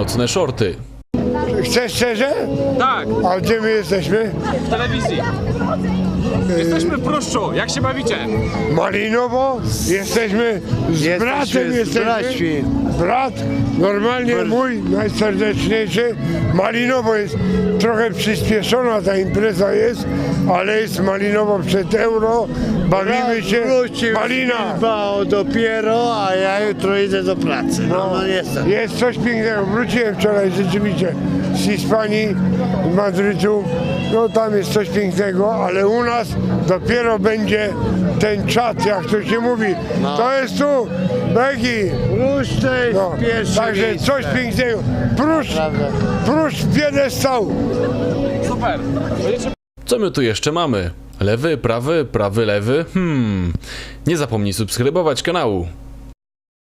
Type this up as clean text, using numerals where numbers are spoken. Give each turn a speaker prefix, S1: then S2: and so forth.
S1: nocne shorty.
S2: Chcesz szczerze?
S3: Tak,
S2: A gdzie my jesteśmy?
S3: w telewizji. Jesteśmy w Pruszczu, jak się bawicie?
S2: Malinowo? Jesteśmy z bratem, jesteśmy. Brat, normalnie mój, najserdeczniejszy. Malinowo jest trochę przyspieszona ta impreza jest, ale jest malinowo przed euro. Bawimy się. Malina!
S4: Dopiero, a ja jutro idę do pracy. No jestem.
S2: Jest coś pięknego. Wróciłem wczoraj rzeczywiście z Hiszpanii, z Madrytu. No tam jest coś pięknego, ale u nas dopiero będzie ten czat, jak to się mówi. To jest tu, Beki.
S4: Pruszcz to jest pierwsze
S2: Także
S4: miejsce.
S2: coś pięknego. Pruszcz piedestał.
S3: Super. Będziecie...
S1: Co my tu jeszcze mamy? Lewy, prawy, lewy? Nie zapomnij subskrybować kanału.